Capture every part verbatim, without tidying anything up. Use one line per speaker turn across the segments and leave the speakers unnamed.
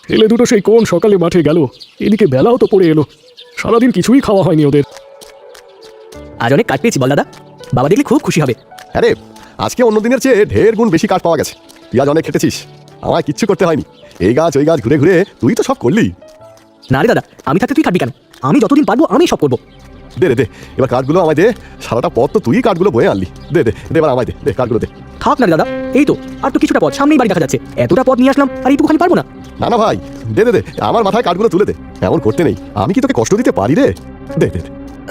ছেলে দুটো সেই কোন সকালে মাঠে গেল, এদিকে বেলাও তো পড়ে এলো। সারাদিন কিছুই খাওয়া হয়নি ওদের।
আজ অনেক কাঠ পেয়েছি বল দাদা, বাবা দেখলে খুব খুশি হবে।
আরে আজকে অন্য দিনের চেয়ে ঢের গুণ বেশি কাঠ পাওয়া গেছে। তুই আজ অনেক খেটেছিস, আমায় কিচ্ছু করতে হয়নি। এই গাছ ওই গাছ ঘুরে ঘুরে তুই তো সব করলি।
না রে দাদা, আমি থাকতে তুই কাটবি কেন? আমি যতদিন পারবো আমি সব করবো।
দে রে দে, এবার কাঠগুলো আমায় দে। সারাটা পথ তো তুই কাঠগুলো বয়ে আনলি। দে দে দে, এবার আমায় দে, দে কাঠগুলো দে।
থাক না রে দাদা, এই তো আর তো কিছুটা পথ, সামনেই বাড়ি দেখা যাচ্ছে। এতটা পথ নিয়ে আসলাম আর এইটুকুখানি পারবো না।
না না ভাই, দে দে দে, আমার মাথায় কাঠগুলো তুলে দে। এমন করতে নেই, আমি কি তোকে কষ্ট দিতে পারি রে? দে দে দে।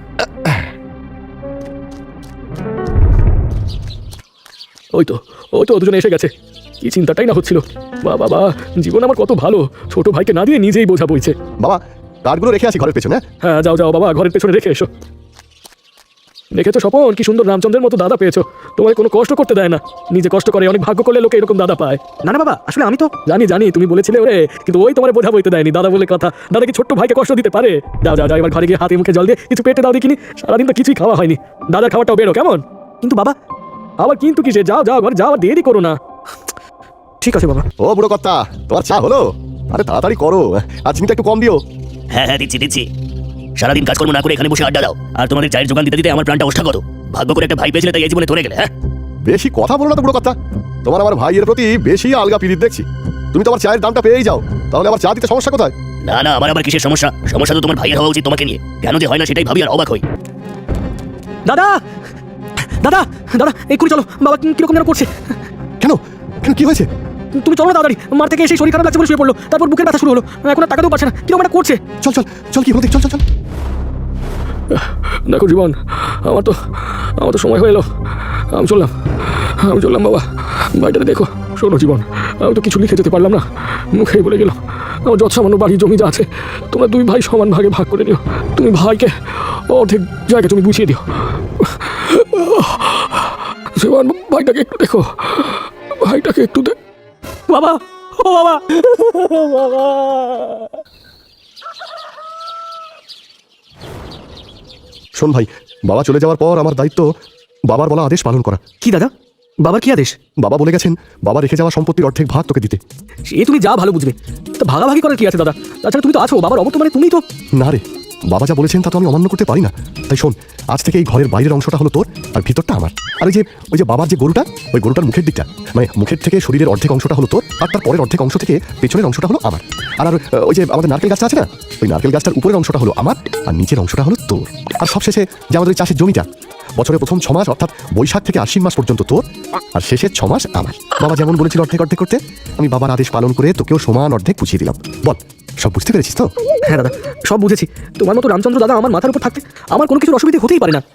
ওই তো ওই তো দুজনে এসে গেছে। কি চিন্তাটাই না হচ্ছিল। বা বাবা, জীবন আমার কত ভালো, ছোট ভাইকে না দিয়ে নিজেই বোঝা বইছে।
বাবা, কাঠগুলো রেখে আসি ঘরের পেছনে।
হ্যাঁ যাও যাও বাবা, ঘরের পেছনে রেখে এসো। দেখেছো স্বপন, কি সুন্দর রামচন্দ্রের মতো দাদা পেয়েছো। তোমায় কোনো কষ্ট করতে দেয় না, নিজে কষ্ট করে। অনেক ভাগ্য করলে লোকে এরকম দাদা পায়।
না না বাবা, আসলে আমি তো
জানি জানি তুমি বলেছিলে ওরে, কিন্তু ওই তোমার বোঝা বইতে দেয়নি। দাদা বলে কথা, দাদা কি ছোট্ট ভাইকে কষ্ট দিতে পারে? যাও যাও যাও, এবার ঘরে গিয়ে হাতে মুখে জল দিয়ে কিছু পেটে দাও দেখিনি। সারাদিন তো কিছুই খাওয়া হয়নি, দাদার খাবারটাও বেরো কেমন?
কিন্তু বাবা।
আবার কিন্তু কিসে? যাও যাও ঘরে যাও, আর দেরি করো না।
ঠিক আছে বাবা।
ও বুড়ো কর্তা, তোমার চা হলো? আরে তাড়াতাড়ি করো, আর চিনিটা একটু কম দিও।
হ্যাঁ হ্যাঁ দিচ্ছি দিচ্ছি। সারাদিন কাজকর্ম না করে এখানে বসে আড্ডা দাও, আর তোমাদের চায়ের যোগান দিতে দিতে আমার প্রাণটা ওষ্ঠাগত। ভাগ্য করে একটা ভাই পেয়েছিলে, তাই এই জীবনে ধরে গেলে। হ্যাঁ
বেশি কথা বলো না তো বুড়ো কর্তা, তোমার আমার ভাইয়ের প্রতি বেশি আলগা পিরিত দেখছি। তুমি তো আমার চায়ের দামটা পেয়েই যাও, তাহলে আমার চা দিতে সমস্যা কোথায়?
না না, আমার আবার কিসের সমস্যা? সমস্যা তো তোমার ভাইয়ের হওয়া উচিত তোমাকে নিয়ে। কেন যে হয় না সেটাই ভাবি আর অবাক হই।
দাদা দাদা দাদা, এক্ষুনি চলো, বাবা কিরকম যেন করছে।
কেন কেন কি হয়েছে?
তুমি চলো না তাড়াতাড়ি, মার থেকে এসে শরীর খারাপ লাগছে বলে শুয়ে পড়লো, তারপর বুকের ব্যথা শুরু হলো, এখন আর টাকাতেও পারছে না, কিরকম একটা করছে।
চল চল চল, কি হলো দেখ, চল চল চল।
দেখো জীবন, আমার তো আমার তো সময় হয়ে এলো। আমি চললাম আমি চললাম বাবা, বাড়িটাতে দেখো। শোনো জীবন, আমি তো কিছু লিখে যেতে পারলাম না, মুখেই বলে গেলাম। আমার যত সামান্য বাড়ি জমি যা আছে, তোমরা দুই ভাই সমান ভাগে ভাগ করে নিও। তুমি ভাইকে অর্ধেক জায়গা তুমি বুঝিয়ে দিও। জীবন, ভাইটাকে একটু দেখো, ভাইটাকে একটু দেখ।
বাবা, ও বাবা,
বাবা।
শোন ভাই, বাবা চলে যাওয়ার পর আমার দায়িত্ব বাবার বলা আদেশ পালন করা।
কি দাদা, বাবার কি আদেশ?
বাবা বলে গেছেন বাবা রেখে যাওয়া সম্পত্তির অর্ধেক ভাগ তোকে দিতে।
সে তুমি যা ভালো বুঝবে, তা ভাগাভাগি করার কি আছে দাদা? তাছাড়া তুমি তো আছো, বাবার অবর্তমানে তুমি তো।
না রে, বাবা যা বলেছেন তা তো আমি অমান্য করতে পারি না। তাই শোন, আজ থেকে এই ঘরের বাইরের অংশটা হলো তোর, আর ভিতরটা আমার। আর ওই যে ওই যে বাবার যে গরুটা, ওই গরুটার মুখের দিকটা, মানে মুখের থেকে শরীরের অর্ধেক অংশটা হলো তোর, আর তার পরের অর্ধেক অংশ থেকে পেছনের অংশটা হলো আমার। আর আর ওই যে আমাদের নারকেল গাছটা আছে না, ওই নারকেল গাছটার উপরের অংশটা হলো আমার, আর নিচের অংশটা হলো তোর। আর সবশেষে যে আমাদের ওই চাষের জমিটা, বছরের প্রথম ছ মাস অর্থাৎ বৈশাখ থেকে আশ্বিন মাস পর্যন্ত তোর, আর শেষের ছ মাস আমার। বাবা যেমন বলেছিল অর্ধেক অর্ধেক করতে, আমি বাবার আদেশ পালন করে তোকেও সমান অর্ধেক বুঝিয়ে দিলাম। বল, সব বুঝতে পেরেছিস তো?
হ্যাঁ দাদা, সব বুঝেছি। তোমার মতো রামচন্দ্র দাদা আমার মাথার উপর থাকতে আমার কোনো কিছুর অসুবিধা হতেই পারে না।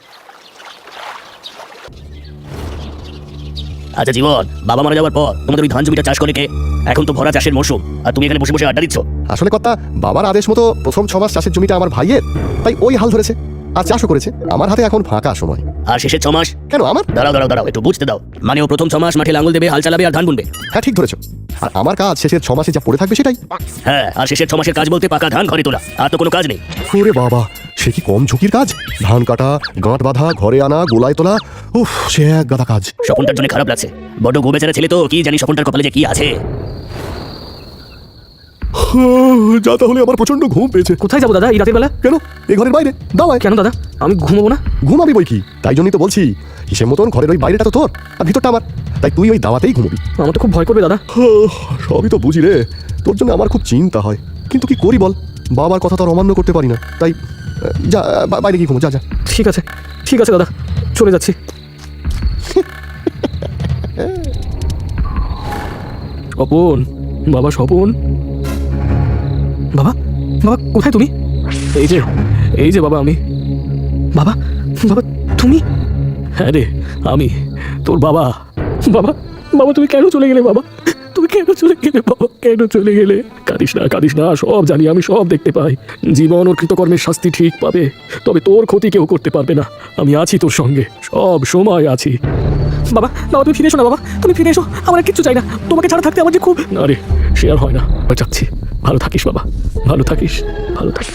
আচ্ছা জীবন, বাবা মারা যাওয়ার পর তোমাদের ওই ধান জমিটা চাষ করে কে? এখন তো ভরা চাষের মৌসুম, আর তুমি এখানে বসে বসে আড্ডা দিচ্ছ।
আসলে কথা, বাবার আদেশ মতো প্রথম ছ মাস চাষের জমিটা আমার ভাইয়ের, তাই ওই হাল ধরেছে, আর চাষও করেছে। আমার হাতে এখন ফাঁকা সময়।
আর শেষের ছ মাস?
কেন আমার?
দাঁড়াও দাঁড়াও দাঁড়াও, একটু বুঝতে দাও। মানে ও প্রথম ছ মাস মাঠে লাঙ্গল দেবে, হাল চালাবে আর ধান বুনবে।
হ্যাঁ ঠিক ধরেছো। আর আমার কাজ শেষের ছ মাসে যা পড়ে থাকবে সেটাই।
হ্যাঁ, আর শেষের ছ মাসের কাজ বলতে পাকা ধান ঘরে তোলা, আর তো কোনো কাজ নেই।
ওরে বাবা, সে কি কম ঝুঁকির কাজ? ধান কাটা, গাঁট বাঁধা, ঘরে আনা, গোলায় তোলা, উফ, সে এক গাদা কাজ।
স্বপনটার জন্য খারাপ লাগছে, বড় গোবেচারা ছেলে তো, কি জানি স্বপনটার কপালে যে কি আছে।
যা, তাহলে আমার প্রচন্ড ঘুম পেয়েছে।
কোথায় যাবো দাদা এই রাতের বেলা?
কেন, এই ঘরের বাইরে দাওয়ায়।
কেন দাদা, আমি ঘুমোবো না?
ঘুমাবি বই কি, তাই জন্যই তো বলছি, হিসেব মতন ঘরের ওই বাইরেটা তো তোর, আর ভিতরটা আমার, তাই তুই ওই দাওয়াতেই ঘুমবি।
আমার তো খুব ভয় করবে দাদা।
সবই তো বুঝি রে, তোর জন্য আমার খুব চিন্তা হয়, কিন্তু কি করি বল, বাবার কথা তো আর অমান্য করতে পারি না। তাই যা, বাইরে গিয়ে ঘুমো, যা যা।
ঠিক আছে ঠিক আছে দাদা, চলে যাচ্ছি।
স্বপন, বাবা স্বপন।
বাবা, বাবা কোথায় তুমি?
এই যে এই যে বাবা আমি।
বাবা, বাবা তুমি?
হ্যাঁ রে, আমি তোর বাবা। বাবা, বাবা তুমি কেন চলে গেলে? বাবা তুমি কেন চলে গেলে? বাবা কেন চলে গেলে? কাঁদিস না কাঁদিস না, সব জানি আমি, সব দেখতে পাই। জীবন ওর কৃতকর্মের শাস্তি ঠিক পাবে, তবে তোর ক্ষতি কেউ করতে পারবে না। আমি আছি তোর সঙ্গে, সব সময় আছি।
বাবা, বাবা তুমি ফিরে এসো না, বাবা তুমি ফিরে এসো, আমার আর কিচ্ছু চাই না। তোমাকে ছাড়া থাকতে আমার যে খুব।
না রে, সে আর হয় না, যাচ্ছি। ভালো থাকিস বাবা, ভালো থাকিস, ভালো থাকিস।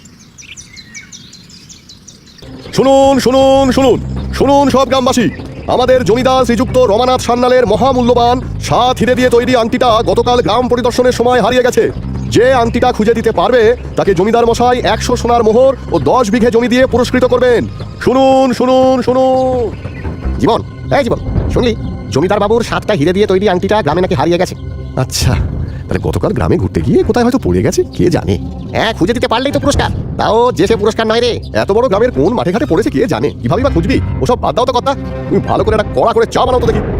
শুনুন শুনুন শুনুন শুনুন সব গ্রামবাসী, আমাদের জমিদার শ্রীযুক্ত রমানাথ সান্যালের মহামূল্যবান সাত হিরে দিয়ে তৈরি আংটিটা গতকাল গ্রাম পরিদর্শনের সময় হারিয়ে গেছে। যে আংটিটা খুঁজে দিতে পারবে তাকে জমিদার মশাই একশো সোনার মোহর ও দশ বিঘে জমি দিয়ে পুরস্কৃত করবেন। শুনুন শুনুন শুনুন।
জীবন, এই জীবন, শুনলি জমিদার বাবুর সাতটা হিরে দিয়ে তৈরি আংটিটা গ্রামে নাকি হারিয়ে গেছে।
আচ্ছা, তাহলে গতকাল গ্রামে ঘুরতে গিয়ে কোথায় হয়তো পড়ে গেছে, কে জানে।
হ্যাঁ, খুঁজে দিতে পারলেই তো পুরস্কার। তাও যে সে পুরস্কার নয় রে।
এত বড় গ্রামের কোন মাঠে ঘাটে পড়েছে কে জানে, কিভাবে বা খুঁজবি? ওসব বাদ দাও তো কথা, তুমি ভালো করে একটা কড়া করে চা বানাও তো দেখি।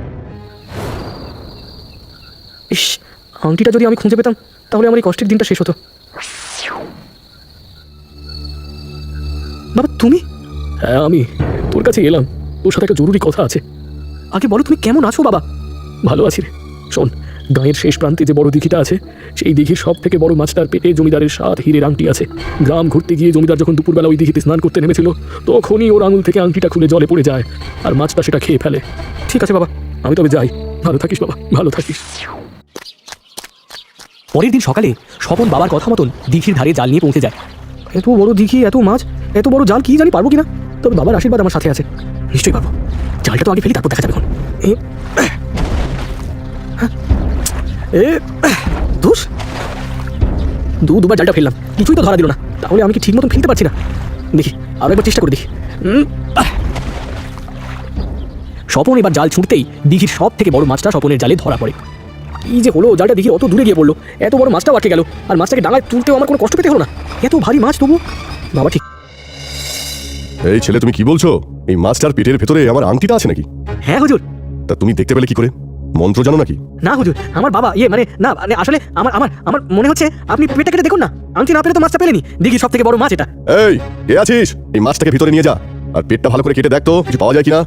ইস, আংটিটা যদি আমি খুঁজে পেতাম তাহলে আমার এই কষ্টের দিনটা শেষ হতো। বাবা তুমি?
হ্যাঁ, আমি তোর কাছে এলাম, তোর সাথে একটা জরুরি কথা আছে।
আগে বলো তুমি কেমন আছো বাবা?
ভালো আছি রে। শোন, গাঁয়ের শেষ প্রান্তে যে বড় দিঘিটা আছে, সেই দিঘির সব থেকে বড় মাছটার পেটে জমিদারের সাত হীরের আংটি আছে। গ্রাম ঘুরতে গিয়ে জমিদার যখন দুপুরবেলা ওই দিঘিতে স্নান করতে নেমেছিল, তখনই ওর আঙুল থেকে আংটিটা খুলে জলে পড়ে যায়, আর মাছটা সেটা খেয়ে ফেলে।
ঠিক আছে বাবা।
আমি তবে যাই। ভালো থাকিস বাবা, ভালো থাকিস।
পরের দিন সকালে স্বপন বাবার কথা মতন দিঘির ধারে জাল নিয়ে পৌঁছে যায়। এত বড় দিঘি, এত মাছ, এত বড় জাল, কি জানি পারবো কিনা। তবে বাবার আশীর্বাদ আমার সাথে আছে, নিশ্চয়ই পারবো। জালটা তো আগে ফেলি, তারপর দেখা যাবে। এখন এ এ দোষ দু দুবার জালটা ফেললাম, কিছুই তো ধরা দিল না। তাহলে আমি কি ঠিক মতন ফেলতে পারছি না? দেখি আরো একবার চেষ্টা করে দেখি। উম, আহ। স্বপন এবার জাল ছুটতেই দিঘির সব থেকে বড় মাছটা স্বপনের জালে ধরা পড়ে। এই যে হলো, জালটা দেখি অত দূরে গিয়ে পড়লো, এত বড় মাছটাও আটকে গেল, আর মাছটাকে ডাঙায় তুলতেও আমার কোনো কষ্ট পেতে হলো না। এত ভারী মাছ তবু বাবা ঠিক।
এই ছেলে, তুমি কি বলছো? এই মাছটার পেটের ভেতরে আমার আংটিটা আছে নাকি?
হ্যাঁ হুজুর।
তা তুমি দেখতে পেলে কি করে? মন্ত্র জানো নাকি?
না হুজুর, আমার বাবা ইয়ে মানে না মানে আসলে আমার আমার আমার মনে হচ্ছে আপনি পেটটা কেটে দেখুন না, আংটি না পেলে তো মাছটা পেলেনি। দিঘির সব থেকে বড় মাছ এটা।
এই, কে আছিস? এই মাছটাকে ভিতরে নিয়ে যা, আর পেটটা ভালো করে কেটে দেখ তো কিছু পাওয়া যায় কিনা।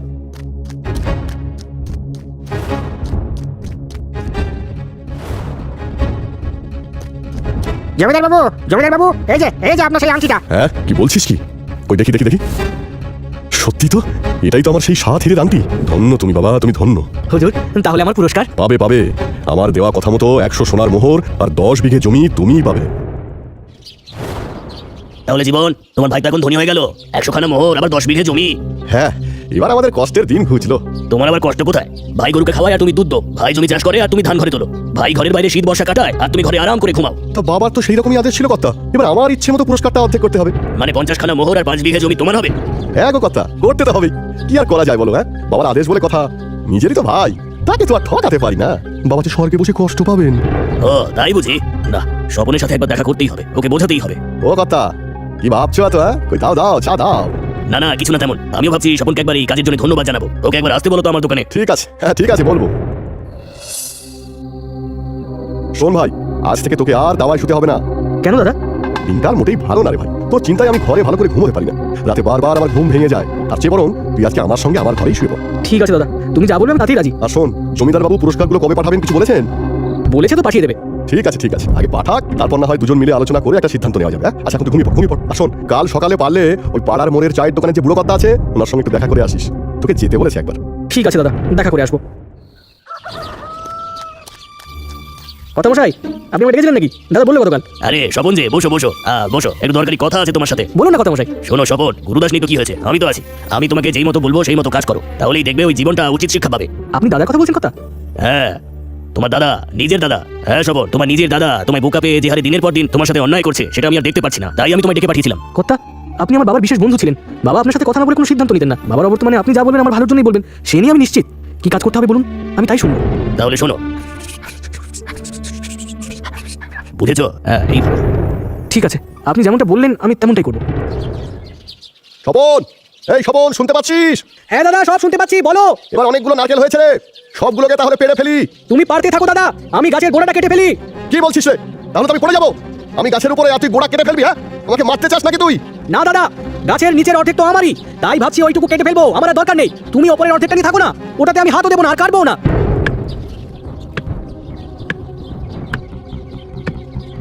জমিদার বাবু, জমিদার বাবু, এই যে এই যে আপনার সেই আংটিটা।
হ্যাঁ, কি বলছিস কি? ওই দেখি দেখি দেখি, সত্যি তো, এটাই তো আমার সেই সাত হিরের আংটি। ধন্য তুমি বাবা, তুমি ধন্য।
হুজুর তাহলে আমার পুরস্কার?
পাবে পাবে, আমার দেওয়া কথা মতো একশো সোনার মোহর আর দশ বিঘে জমি তুমিই পাবে।
তাহলে জীবন, তোমার ভাই তো এখন ধনী হয়ে গেল, একশো খানা মোহর আবার দশ বিঘে জমি।
হ্যাঁ, এবার আমাদের কষ্টের দিন ঘুচলো।
তোমার আবার কষ্ট কোথায়? ভাই গরুকে খাওয়ায় আর তুমি দুধ দো, ভাই জমি চাষ করে আর তুমি ধান ঘরে তোলো, ভাই ঘরের বাইরে শীত বর্ষা কাটায় আর তুমি ঘরে আরাম করে ঘুমাও।
তা বাবার তো সেই রকমই আদেশ ছিল কর্তা, এবার আমার ইচ্ছে মতো পুরস্কারটা অর্ধেক করতে হবে।
মানে পঞ্চাশ খানা মোহর আর পাঁচ বিঘে জমি তোমার হবে?
হ্যাঁ গো কর্তা, করতে তো হবেই, কি আর করা যায় বলো। হ্যাঁ, বাবার আদেশ বলে কথা, নিজেরই তো ভাই, তাকে তো আর ঠকাতে পারি না। বাবা যে স্বর্গে বসে কষ্ট পাবেন।
ও তাই বুঝি? না, স্বপনের সাথে একবার দেখা করতেই হবে, ওকে বোঝাতেই হবে।
ও কর্তা, কি ভাবছো এত? হ্যাঁ, কই দাও দাও, চা দাও।
না না, কিছু না তেমন। আমিও ভাবছি স্বপনকে একবার এই কাজের জন্য ধন্যবাদ জানাবো। ওকে একবার আসতে বলো তো আমার দোকানে।
ঠিক আছে, হ্যাঁ ঠিক আছে, বলবো। শোন ভাই, আজ থেকে তোকে আর দাওয়ায় শুতে হবে না।
কেন দাদা?
দিনকাল মোটেই ভালো না রে ভাই, তোর চিন্তায় আমি ঘরে ভালো করে ঘুমোতে পারি না, রাতে বারবার আমার ঘুম ভেঙে যায়। তার চেয়ে বরং তুই আজকে আমার সঙ্গে আমার ঘরেই শুয়ে পড়।
ঠিক আছে দাদা, তুমি যা বলবে আমি তাতেই রাজি।
আর শোন, জমিদার বাবু পুরস্কারগুলো কবে পাঠাবেন কিছু বলেছেন?
বলেছে তো পাঠিয়ে দেবে।
ঠিক আছে ঠিক আছে, আগে পাঠাক, তারপর না হয় দুজন মিলে আলোচনা করে একটা সিদ্ধান্ত নেওয়া যাবে। হ্যাঁ? আচ্ছা, এখন তুই ঘুমিয়ে পড়, ঘুমিয়ে পড়। আর শোন, কাল সকালে পারলে ওই পাড়ার মোড়ের চায়ের দোকানে যে বুড়ো কর্তা আছে, ওনার সঙ্গে একটু দেখা করে আসিস, তোকে যেতে বলেছে একবার।
ঠিক আছে দাদা, দেখা করে আসবো। কথা মশাই, আপনি আমার ডেকেছিলেন নাকি? দাদা বললো গতকাল।
আরে স্বপন যে, বসো বসো, আহ, বসো, একটু দরকারি কথা আছে তোমার সাথে।
বলুন না কথা মশাই।
শোনো স্বপন, গুরুদাস নেই তো কি হয়েছে, আমি তো আছি। আমি তোমাকে যেই মতো বলবো সেই মতো কাজ করো, তাহলেই দেখবে ওই জীবনটা উচিত শিক্ষা পাবে।
আপনি দাদার কথা বলছেন? কথা?
হ্যাঁ, তোমার দাদা, নিজের দাদা। হ্যাঁ স্বপন, তোমার নিজের দাদা তোমায় বোকা পেয়ে যে হারে দিনের পর দিন তোমার সাথে অন্যায় করছে, সেটা আমি আর দেখতে পাচ্ছি না, তাই আমি তোমায় ডেকে পাঠিয়েছিলাম।
কথা, আপনি আমার বাবার বিশেষ বন্ধু ছিলেন। বাবা আপনার সাথে কথা না বলে কোনো সিদ্ধান্ত নিতেন না। বাবার অবর্তমানে আপনি যা বলবেন আমার ভালোর জন্যই বলবেন, সে নিয়ে আমি নিশ্চিত। কি কাজ করতে হবে বলুন, আমি তাই শুনবো।
তাহলে শোনো, বুঝেছো? হ্যাঁ, এই
ঠিক আছে, আপনি যেমনটা বললেন আমি তেমনটাই করবো।
স্বপন, এই স্বপন, শুনতে পাচ্ছিস?
হ্যাঁ দাদা, সব শুনতে পাচ্ছি, বলো।
এবার অনেকগুলো নারকেল হয়েছে রে, সবগুলোকে তাহলে পেড়ে ফেলি।
তুমি পারতে থাকো দাদা, আমি গাছের গোড়াটা কেটে ফেলি।
কি বলছিস রে? তাহলে তো আমি পড়ে যাবো। আমি গাছের উপরে, আর তুই গোড়া কেটে ফেলবি? হ্যাঁ, আমাকে মারতে চাস নাকি তুই?
না দাদা, গাছের নিচের অর্ধেক তো আমারই, তাই ভাবছি ওইটুকু কেটে ফেলবো, আমার আর দরকার নেই। তুমি ওপরের অর্ধেকটা নিয়ে থাকো না, ওটাতে আমি হাতও দেবো না আর কাটবো না।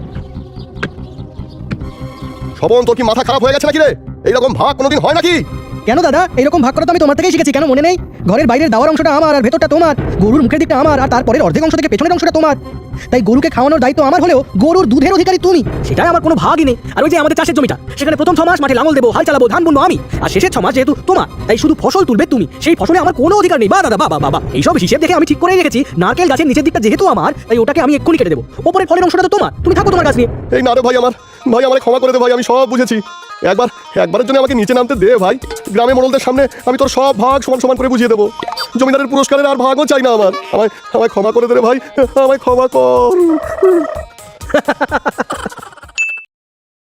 স্বপন, তোর কি মাথা খারাপ হয়ে গেছে নাকি রে? এইরকম ভাগ কোনোদিন হয় নাকি?
কেন দাদা এরকম ভাগ করা তো আমি তোমার থেকেই শিখেছি, কেন মনে নেই? ঘরের বাইরের দাওয়ার অংশটা আমার আর ভেতরটা তোমার, গরুর মুখের দিকটা আমার আর তারপরের অর্ধেক অংশ থেকে পেছনের অংশটা তোমার। তাই গরুকে খাওয়ানোর দায়িত্ব আমার হলেও গরুর দুধের অধিকারী তুমি, সেটাই আমার কোনো ভাগই নেই। আর ওই যে আমাদের চাষের জমিটা, সেখানে প্রথম ছ মাস মাঠে লাঙল দেবো, হাল চালাবো, ধান বুনবো আমি, আর শেষের ছ মাস যেহেতু তোমার, তাই শুধু ফসল তুলবে তুমি, সেই ফসলে আমার কোনো অধিকার নেই। বা দাদা বাবা বাবা এইসব হিসেব দেখে আমি ঠিক করেই রেখেছি, নারকেল গাছের নিচের দিকটা যেহেতু আমার, তাই ওটাকে আমি এক্ষুনি কেটে দেবো, ওপরের ফলের অংশটা তো তোমার, তুমি থাকো তোমার গাছ নিয়ে।
এই না রে ভাই, আমার ভাই আমার ক্ষমা করে দে ভাই, আমি সব বুঝেছি। একবার একবারের জন্য আমাকে নিচে নামতে দে ভাই। গ্রামে মোড়লদের সামনে আমি তোর সব ভাগ সমান সমান করে বুঝিয়ে দেবো। জমিদারের পুরস্কারের আর ভাগও চাই না আমার। আমায় আমায় ক্ষমা করে দে রে ভাই, আমায় ক্ষমা কর।